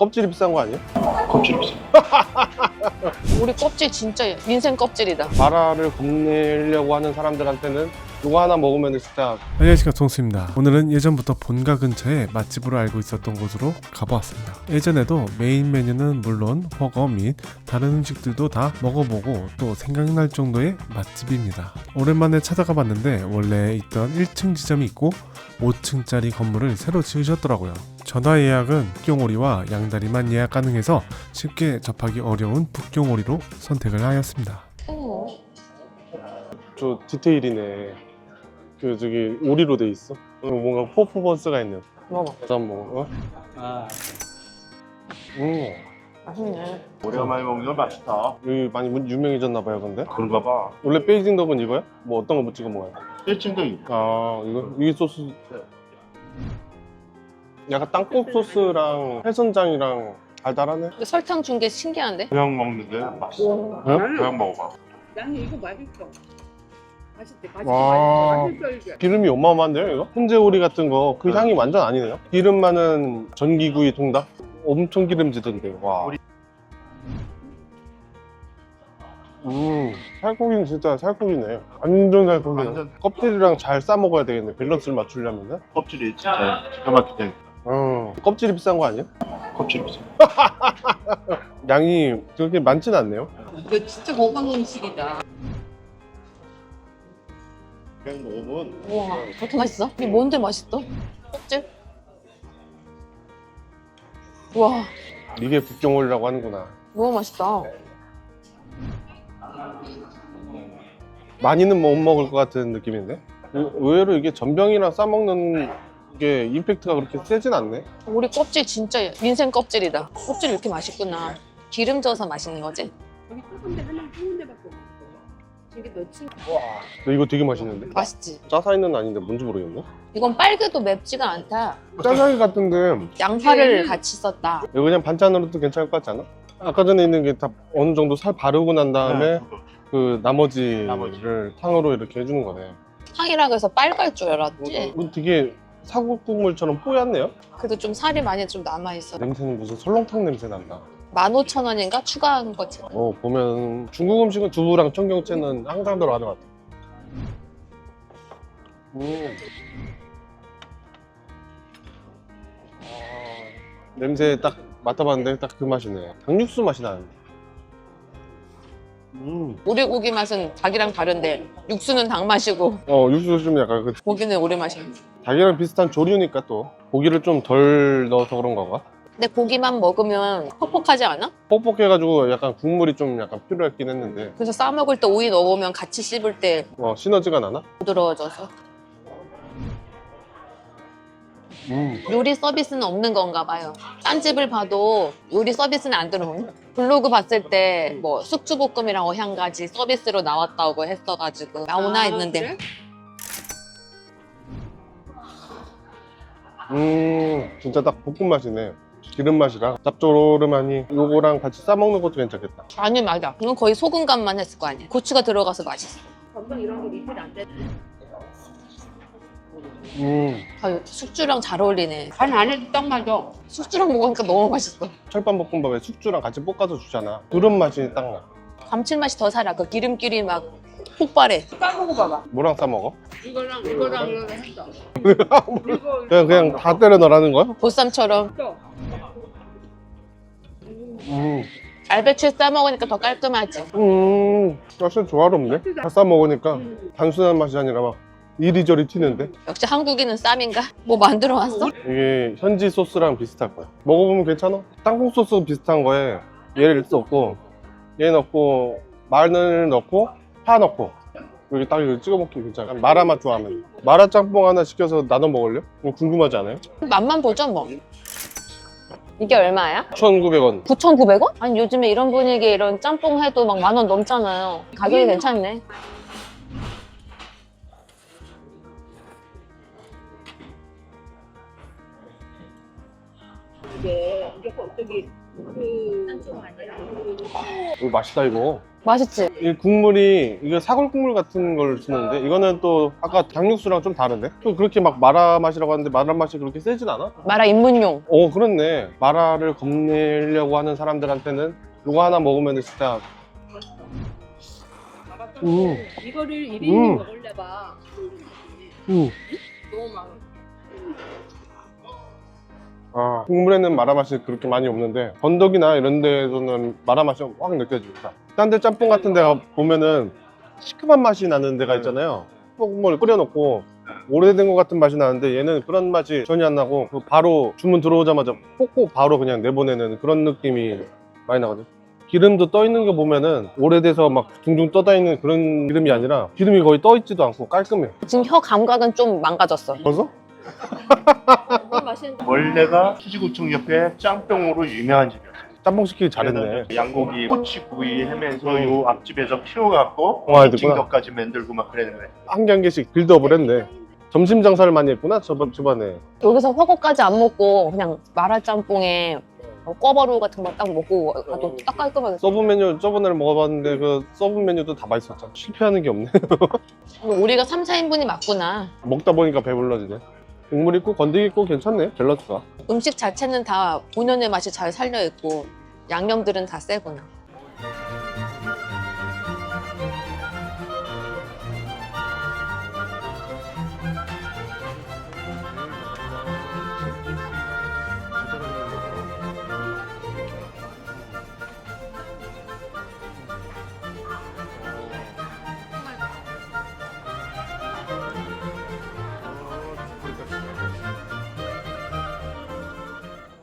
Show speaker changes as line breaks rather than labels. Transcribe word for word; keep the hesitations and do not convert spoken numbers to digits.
껍질이 비싼 거 아니야?
껍질이 비싸.
우리 껍질 진짜 인생 껍질이다.
마라를 겁내려고 하는 사람들한테는 이거 하나 먹으면 진짜.
안녕하십니까, 동수입니다. 오늘은 예전부터 본가 근처에 맛집으로 알고 있었던 곳으로 가보았습니다. 예전에도 메인 메뉴는 물론 허거 및 다른 음식들도 다 먹어보고 또 생각날 정도의 맛집입니다. 오랜만에 찾아가 봤는데 원래 있던 일 층 지점이 있고 오 층짜리 건물을 새로 지으셨더라고요. 전화 예약은 북경오리와 양다리만 예약 가능해서 쉽게 접하기 어려운 북경오리로 선택을 하였습니다.
어.
저 디테일이네. 그 저기 오리로 돼 있어. 어, 뭔가 퍼포먼스가 있는.
먹어.
일단 뭐. 어?
아,
음.
맛있네.
오랜만에 먹는 거 맛있다.
여기 많이 유명해졌나 봐요, 근데.
그런가 봐.
원래 베이징 덕은 이거야? 뭐 어떤 거 뭐 찍어 먹어요?
일 층도 있고.
아, 이거 이 소스. 약간 땅콩 소스랑 해선장이랑 달달하네.
근데 설탕 준 게 신기한데?
그냥 먹는데 맛있어.
어?
그냥 먹어봐.
나는 이거 맛있어. 맛있대, 맛있어,
와.
맛있어, 맛있어 이게.
기름이 어마어마한데요, 이거? 훈제오리 같은 거 그 향이 완전 아니네요. 기름 많은 전기구이 통닭? 엄청 기름지던데. 와. 음, 살코기는 진짜 살코기네. 완전 살코기네.
완전.
껍질이랑 잘 싸 먹어야 되겠네. 밸런스를 맞추려면.
껍질이 진짜 기가 막히게.
어, 껍질이 비싼 거 아니야?
껍질 비싸.
양이 그렇게 많진 않네요.
이거 진짜 건강 음식이다.
그냥 먹으면
우와, 그렇게 맛있어? 이게 뭔데 맛있어? 껍질? 우와,
이게 북경오리라고 하는구나.
너무 맛있다.
많이는 못 먹을 것 같은 느낌인데? 의- 의외로 이게 전병이랑 싸먹는 게 임팩트가 그렇게 세진 않네.
우리 껍질 진짜 인생 껍질이다. 껍질 이렇게 맛있구나. 기름 져서 맛있는 거지?
여기 조금데 하나 한 군데밖에 없어. 저게 몇 층?
근데 이거 되게 맛있는데?
맛있지?
짜사이는 아닌데 뭔지 모르겠네.
이건 빨개도 맵지가 않다.
짜사이 같은데
양파를 같이 썼다.
이거 그냥 반찬으로도 괜찮을 것 같지 않아? 아까 전에 있는 게 다 어느 정도 살 바르고 난 다음에 그 나머지를
나머지.
탕으로 이렇게 해주는 거네.
탕이라고 해서 빨갈 줄 알았지?
이거 되게 사골국물처럼 뽀얗네요?
그래도 좀 살이 많이 좀 남아있어.
냄새는 무슨 설렁탕 냄새 난다.
만 오천 원인가 추가한 거지.
어, 보면 중국 음식은 두부랑 청경채는 항상 들어가는 것 같아. 음. 아, 냄새 딱 맡아봤는데 딱 그 맛이네. 닭육수 맛이 나는데. 음.
우리 고기 맛은 닭이랑 다른데 육수는 닭 맛이고
어, 육수 좀 약간 그
고기는 우리 맛이야.
닭이랑 비슷한 조류니까 또 고기를 좀 덜 넣어서 그런 건가?
근데 고기만 먹으면 퍽퍽하지 않아?
뻑뻑해가지고 약간 국물이 좀 약간 필요했긴 했는데
그래서 싸 먹을 때 오이 넣어보면 같이 씹을 때
어, 시너지가 나나?
부드러워져서.
음.
요리 서비스는 없는 건가 봐요. 딴 집을 봐도 요리 서비스는 안 들어오네. 블로그 봤을 때 뭐 숙주볶음이랑 어향가지 서비스로 나왔다고 했어가지고 나오나 했는데
음, 진짜 딱 볶음 맛이네. 기름 맛이랑 짭조름하니 요거랑 같이 싸 먹는 것도 괜찮겠다.
아니 맞아. 이건 거의 소금 간만 했을 거 아니야. 고추가 들어가서 맛있어.
건강 이런 게 리필 안 돼.
음,
아, 숙주랑 잘 어울리네.
간 안에도 딱 맞아.
숙주랑 먹으니까 너무 맛있어.
철판볶음밥에 숙주랑 같이 볶아서 주잖아. 그런 맛이 딱 나.
감칠맛이 더 살아. 그 기름기이 막 폭발해.
까먹어 봐봐.
뭐랑 싸 먹어?
이거랑 이거랑 이거랑 했어. 이거
그냥 그냥 다 때려 넣으라는 거야?
보쌈처럼
또
음,
알배추에 싸 먹으니까 더 깔끔하지.
음, 사실 조화롭네. 다 싸 먹으니까 단순한 맛이 아니라 막 이리저리 튀는데.
역시 한국인은 쌈인가? 뭐 만들어 왔어?
이게 현지 소스랑 비슷할 거야. 먹어보면 괜찮아. 땅콩 소스 비슷한 거에 얘를 넣고 얘 넣고 마늘 넣고 파 넣고 여기 딱 이거 찍어 먹기 괜찮아. 마라 맛 좋아하면 마라 짬뽕 하나 시켜서 나눠 먹을래? 이거 궁금하지 않아요?
맛만 보죠 뭐. 이게 얼마야?
천구백 원.
구천구백 원? 아니 요즘에 이런 분위기에 이런 짬뽕 해도 막 만 원 넘잖아요. 가격이 괜찮네.
이게 이게 저기 그 아니라
이거 맛있다 이거.
맛있지?
이 국물이 이게 사골 국물 같은 걸 쓰는데 이거는 또 아까 닭육수랑 좀 다른데? 또 그렇게 막 마라 맛이라고 하는데 마라 맛이 그렇게 세진 않아?
마라 입문용.
어 그렇네. 마라를 겁내려고 하는 사람들한테는 이거 하나 먹으면 진짜 음.
이거를 일
음.
인분 먹으려봐.
음.
너무 많아.
아, 국물에는 마라 맛이 그렇게 많이 없는데 건더기나 이런 데에서는 마라 맛이 확 느껴집니다. 딴 데 짬뽕 같은 데 보면은 시큼한 맛이 나는 데가 있잖아요. 국물 끓여놓고 오래된 것 같은 맛이 나는데 얘는 그런 맛이 전혀 안 나고 바로 주문 들어오자마자 볶고 바로 그냥 내보내는 그런 느낌이 많이 나거든요. 기름도 떠 있는 거 보면은 오래돼서 막 둥둥 떠다 있는 그런 기름이 아니라 기름이 거의 떠 있지도 않고 깔끔해요.
지금 혀 감각은 좀 망가졌어.
벌써?
너무 맛있는데.
원래가 수지구청 옆에 짬뽕으로 유명한 집이었어요.
짬뽕 시키기 잘했네.
양고기, 꼬치구이 하면서 요 앞집에서 키워갖고
와, 됐구나.
찜격까지 만들고 막 그러는 거예요.
한 개 한 개씩 빌드업을 했네. 점심 장사를 많이 했구나 저번 주반에.
여기서 허거까지 안 먹고 그냥 마라짬뽕에 뭐 꿔바로우 같은 거 딱 먹고 가도 딱 깔끔하게.
서브 메뉴 저번에 먹어봤는데 그 서브 메뉴도 다 맛있었잖아. 실패하는 게 없네.
우리가 삼, 사인분이 맞구나.
먹다 보니까 배불러지네. 국물 있고 건더기 있고 괜찮네. 밸런스가.
음식 자체는 다 본연의 맛이 잘 살려있고 양념들은 다 세구나.